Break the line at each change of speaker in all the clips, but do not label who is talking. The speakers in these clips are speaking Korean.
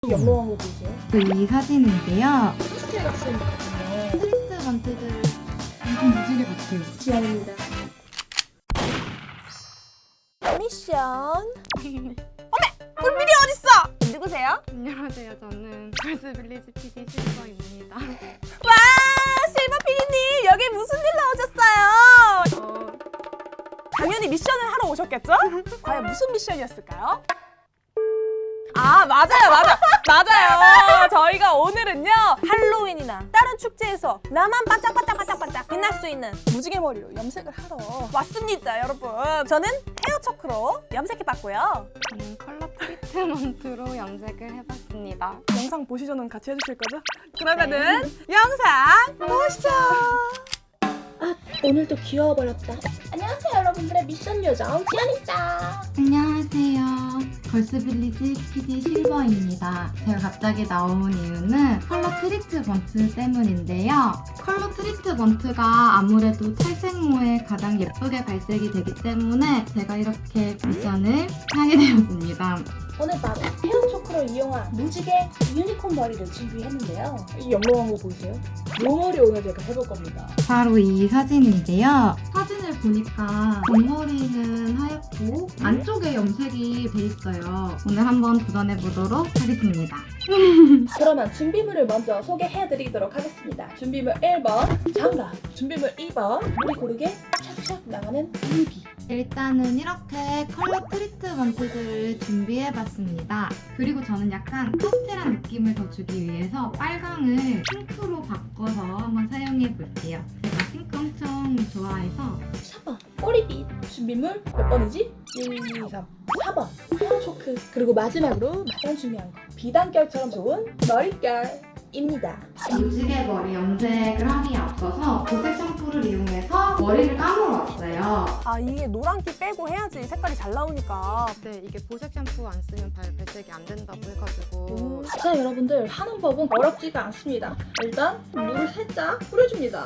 연로한 거 보세요.
이 사진인데요.
스타일 같은 거거든요.
트리트먼트들 엄청 무지개 같아요.
지안입니다. 미션. 꿀미리 어딨어? 누구세요?
안녕하세요. 저는 걸스빌리지 PD 실버입니다.
와, 실버 PD님 여기 무슨 일 나오셨어요? 당연히 미션을 하러 오셨겠죠? 과연 무슨 미션이었을까요? 아, 맞아요. 저희가 오늘은요 할로윈이나 다른 축제에서 나만 반짝반짝 빛날 수 있는 무지개 머리로 염색을 하러 왔습니다, 여러분. 저는 헤어 초크로 염색해봤고요.
저는 컬러 트리트먼트로 염색을 해봤습니다.
영상 보시고는 같이 해주실 거죠? 그러면은 영상 보시죠. 오늘도 귀여워버렸다. 안녕하세요, 여러분들의 미션 요정 지연입니다.
안녕하세요. 걸스빌리지 PD 실버입니다. 제가 갑자기 나온 이유는 컬러 트리트먼트 때문인데요. 컬러 트리트먼트가 아무래도 탈색모에 가장 예쁘게 발색이 되기 때문에 제가 이렇게 미션을 하게 되었습니다.
오늘 바로 헤어 초크를 이용한 무지개 유니콘 머리를 준비했는데요. 이 영롱한 거 보이세요? 이 머리 오늘 제가 해볼 겁니다.
바로 이 사진인데요. 사진을 보니까 뒷머리는 하얗고 안쪽에 염색이 돼 있어요. 오늘 한번 도전해 보도록 하겠습니다.
그러면 준비물을 먼저 소개해드리도록 하겠습니다. 준비물 1번 장갑, 준비물 2번 물이 고르게 착착 나가는 유비.
일단은 이렇게 컬러 트리트먼트들을 준비해봤습니다. 그리고 저는 약간 파스텔한 느낌을 더 주기 위해서 빨강을 핑크로 바꿔서 한번 사용해볼게요. 제가 핑크 엄청 좋아해서
4번 꼬리빗. 준비물 몇 번이지? 1, 2, 3, 4번 헤어 초크. 그리고 마지막으로 가장 중요한 거 비단결처럼 좋은 머릿결입니다.
무지개 머리 염색을 하기에 앞서서 보색 샴푸를 이용해서 머리를 감으러 왔어요.
아, 이게 노란기 빼고 해야지 색깔이 잘 나오니까.
네, 이게 보색 샴푸 안 쓰면 발색이 안 된다고 해가지고
자, 여러분들 하는 법은 어렵지가 않습니다. 일단 물을 살짝 뿌려줍니다.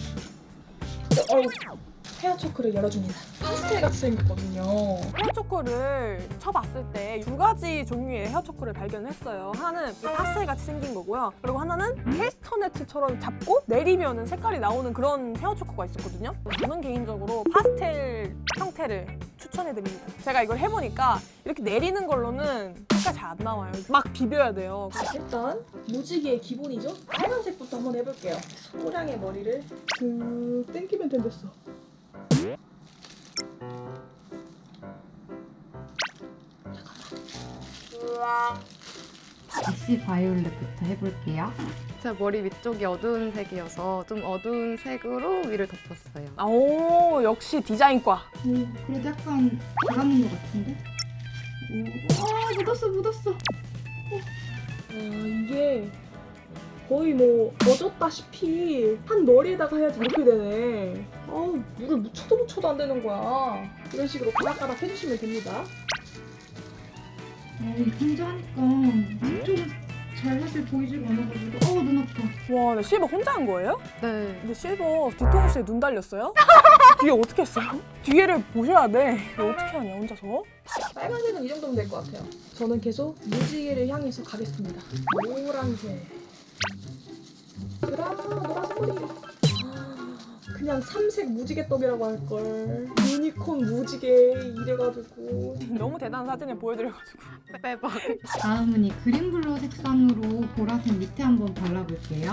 헤어 초크를 열어줍니다. 파스텔 같이 생겼거든요.
헤어 초크를 쳐봤을 때 두 가지 종류의 헤어 초크를 발견했어요. 하나는 이 파스텔 같이 생긴 거고요. 그리고 하나는 캐스터네트처럼 잡고 내리면 색깔이 나오는 그런 헤어 초크가 있었거든요. 저는 개인적으로 파스텔 형태를 추천해드립니다. 제가 이걸 해보니까 이렇게 내리는 걸로는 색깔 잘 안 나와요. 막 비벼야 돼요.
일단 무지개의 기본이죠. 빨간색부터 한번 해볼게요. 소량의 머리를 그 땡기면 된댔어.
애쉬 바이올렛부터 해볼게요. 제 머리 위쪽이 어두운 색이어서 좀 어두운 색으로 위를 덮었어요.
오, 역시 디자인과.
그래도 약간 잘하는 것 같은데? 묻었어.
이게 거의 뭐 젖었다시피 한 머리에다가 해야지 이렇게 되네. 물을 묻혀도 안 되는 거야. 이런 식으로 가닥가닥 해주시면 됩니다.
혼자 하니까 이쪽은 잘사실 보이지가 않아가지고 눈 아파.
와, 나 실버 혼자 한 거예요?
네.
근데 실버 뒤통수에 눈 달렸어요? 뒤에 어떻게 했어요? 뒤에를 보셔야 돼. 이거 어떻게 하냐, 혼자서?
빨간색은 이 정도면 될 것 같아요. 저는 계속 무지개를 향해서 가겠습니다. 노란색. 노란색 머리. 그냥 삼색 무지개떡이라고 할걸. 유니콘 무지개 이래가지고.
너무 대단한 사진을 보여드려가지고.
빼박. 다음은 이 그린블루 색상으로 보라색 밑에 한번 발라볼게요.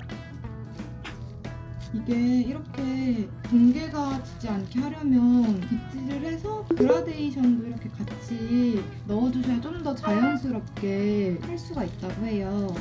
이게 이렇게 동계가 지지 않게 하려면 빗질을 해서 그라데이션도 이렇게 같이 넣어주셔야 좀 더 자연스럽게 할 수가 있다고 해요.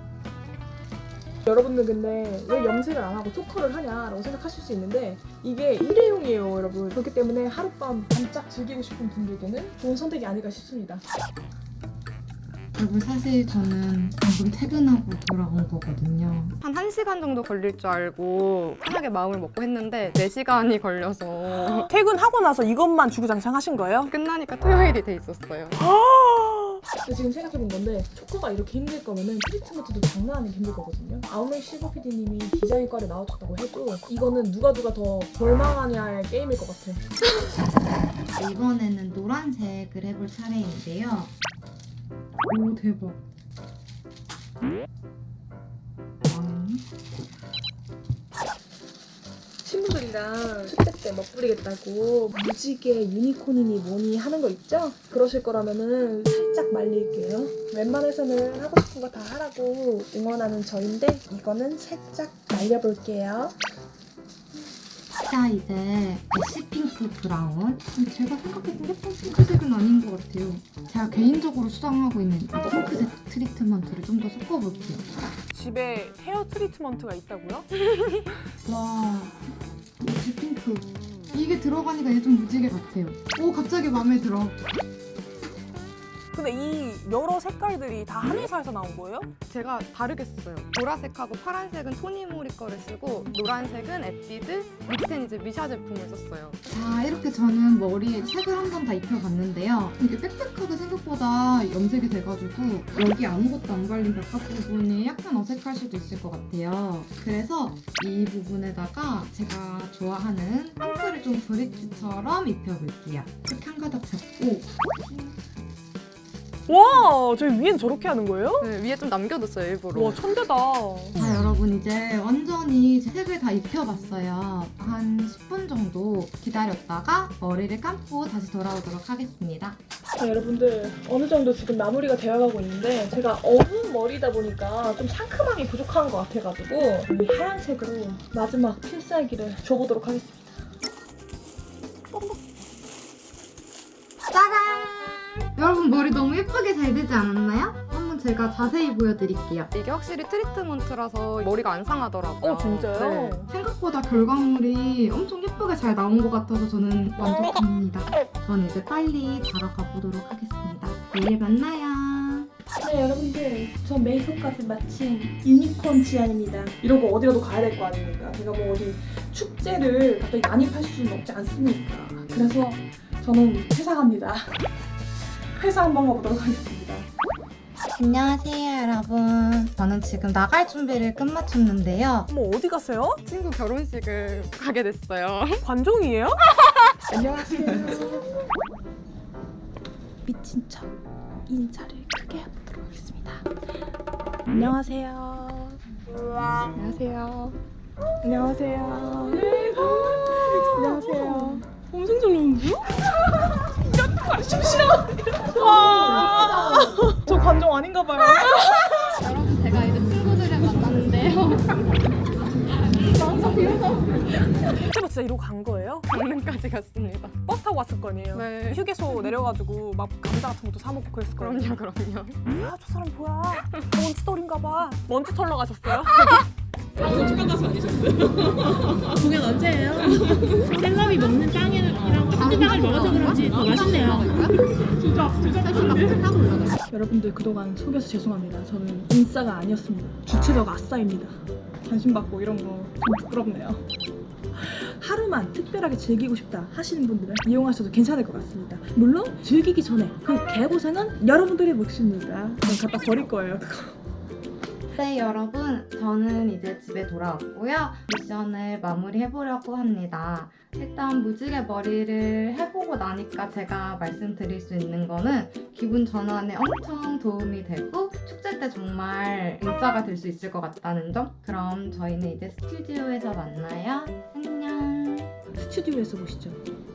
여러분들 근데 왜 염색을 안 하고 초커를 하냐라고 생각하실 수 있는데 이게 일회용이에요, 여러분. 그렇기 때문에 하룻밤 반짝 즐기고 싶은 분들께는 좋은 선택이 아닐까 싶습니다.
그리고 사실 저는 방금 퇴근하고 돌아온 거거든요.
한 1시간 정도 걸릴 줄 알고 편하게 마음을 먹고 했는데 4시간이 걸려서
퇴근하고 나서 이것만 주구장창 하신 거예요?
끝나니까 토요일이 돼 있었어요.
근데 지금 생각해본 건데 초커가 이렇게 힘들 거면은 트리트먼트도 장난 아니게 힘들 거거든요. 아무리 실버 PD님이 디자인과를 나와줬다고 해도 이거는 누가 더 절망하냐의 게임일 것 같아.
이번에는 노란색을 해볼 차례인데요. 오, 대박.
친구들이랑 축제 때 멋부리겠다고 무지개 유니콘이니 뭐니 하는 거 있죠? 그러실 거라면은 살짝 말릴게요. 웬만해서는 하고 싶은 거 다 하라고 응원하는 저인데 이거는 살짝 말려볼게요.
자, 이제 애쉬핑크 브라운. 제가 생각했던 예쁜 핑크색은 아닌 것 같아요. 제가 개인적으로 수정하고 있는 이 핑크색 트리트먼트를 좀 더 섞어볼게요.
집에 헤어 트리트먼트가 있다고요?
와, 애쉬핑크. 이게 들어가니까 얘 좀 무지개 같아요. 오, 갑자기 마음에 들어.
근데 이 여러 색깔들이 다 한 회사에서 나온 거예요?
제가 다르게 썼어요. 보라색하고 파란색은 토니모리 거를 쓰고 노란색은 에뛰드, 밑엔 이제 미샤 제품을 썼어요.
자, 이렇게 저는 머리에 색을 한 번 다 입혀봤는데요. 이게 빽빽하게 생각보다 염색이 돼가지고 여기 아무것도 안 발린 바깥 부분이 약간 어색할 수도 있을 것 같아요. 그래서 이 부분에다가 제가 좋아하는 핑크를 좀 브릿지처럼 입혀볼게요. 이렇게 한 가닥 잡고
와, 저희 위엔 저렇게 하는 거예요?
네, 위에 좀 남겨뒀어요, 일부러.
와, 천재다.
자, 여러분 이제 완전히 색을 다 입혀봤어요. 한 10분 정도 기다렸다가 머리를 감고 다시 돌아오도록 하겠습니다.
자, 여러분들 어느 정도 지금 마무리가 되어가고 있는데 제가 어두운 머리다 보니까 좀 상큼함이 부족한 것 같아가지고 이 하얀색으로 마지막 필살기를 줘보도록 하겠습니다.
여러분 머리 너무 예쁘게 잘 되지 않았나요? 한번 제가 자세히 보여드릴게요.
이게 확실히 트리트먼트라서 머리가 안 상하더라고요.
진짜요?
네.
생각보다 결과물이 엄청 예쁘게 잘 나온 것 같아서 저는 만족합니다. 저는 이제 빨리 자러 가보도록 하겠습니다. 내일 만나요.
네, 여러분들 저 메이크업까지 마친 유니콘 지안입니다. 이러고 어디라도 가야 될 거 아닙니까? 제가 뭐 어디 축제를 갑자기 난입할 수는 없지 않습니까? 그래서 저는 회사 갑니다. 회사 한번 가보도록 하겠습니다.
안녕하세요 여러분. 저는 지금 나갈 준비를 끝마쳤는데요.
어머, 어디 가세요?
친구 결혼식을 가게 됐어요.
관종이에요?
안녕하세요. 미친 척 인사를 크게 해보도록 하겠습니다. 안녕하세요.
안녕하세요.
안녕하세요. 안녕하세요. 엄청 잘 나오는데요? 와, 저 관종 아닌가 봐요.
여러분 제가 이제 친구들을 만났는데요.
그때 진짜 이러고 간 거예요?
강릉까지 갔습니다.
버스 타고 왔을 거 아니에요?
네.
휴게소 내려가지고 막 감자 같은 것도 사 먹고 그랬을 거 아니에요?
그럼요.
아, 저 사람 뭐야? 먼지털인가 봐. 먼지 털러 가셨어요?
공연 언제예요? 셀럽이 먹는 빵이랑 같은 빵을 먹어서 그런지 더 맛있네요.
여러분들 그동안 속여서 죄송합니다. 저는 인싸가 아니었습니다. 주체적 아싸입니다. 관심 받고 이런 거 좀 부끄럽네요. 하루만 특별하게 즐기고 싶다 하시는 분들은 이용하셔도 괜찮을 것 같습니다. 물론 즐기기 전에 그 개고생은 여러분들의 몫입니다. 전 갖다 버릴 거예요.
네 여러분, 저는 이제 집에 돌아왔고요. 미션을 마무리해보려고 합니다. 일단 무지개 머리를 해보고 나니까 제가 말씀드릴 수 있는 거는 기분 전환에 엄청 도움이 되고 축제 때 정말 인싸가 될 수 있을 것 같다는 점. 그럼 저희는 이제 스튜디오에서 만나요. 안녕.
스튜디오에서 보시죠.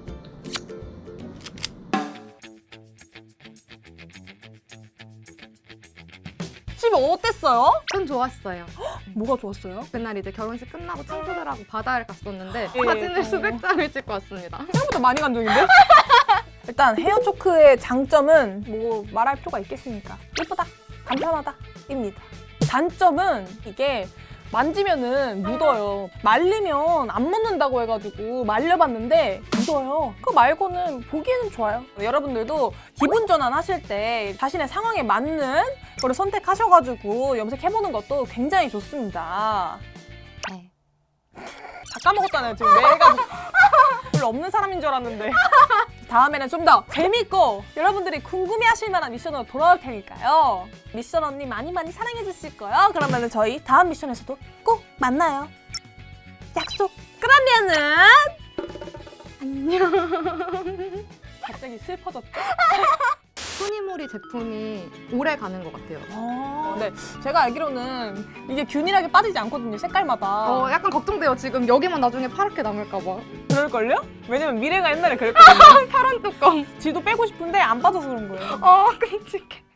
집에 어땠어요?
좀 좋았어요.
뭐가 좋았어요?
그날 이제 결혼식 끝나고 친구들하고 바다를 갔었는데
예.
사진을 수백 장을 찍고 왔습니다.
생각보다 많이 간 적인데? 일단 헤어 초크의 장점은 뭐 말할 필요가 있겠습니까? 예쁘다, 간편하다 입니다. 단점은 이게 만지면은 묻어요. 말리면 안 묻는다고 해가지고 말려봤는데 묻어요. 그거 말고는 보기에는 좋아요. 여러분들도 기분 전환 하실 때 자신의 상황에 맞는 거를 선택하셔가지고 염색해보는 것도 굉장히 좋습니다.
네.
다 까먹었잖아요. 지금 내가 별로 없는 사람인 줄 알았는데. 다음에는 좀 더 재밌고 여러분들이 궁금해하실 만한 미션으로 돌아올 테니까요. 미션 언니 많이 많이 사랑해 주실 거예요. 그러면은 저희 다음 미션에서도 꼭 만나요. 약속. 그러면은 안녕. 갑자기 슬퍼졌다.
소니모리 제품이 오래 가는 것 같아요.
네, 제가 알기로는 이게 균일하게 빠지지 않거든요, 색깔마다.
약간 걱정돼요. 지금 여기만 나중에 파랗게 남을까 봐.
그럴걸요? 왜냐면 미래가 옛날에 그랬거든요.
파란 뚜껑.
지도 빼고 싶은데 안 빠져서 그런 거예요.
끔찍해.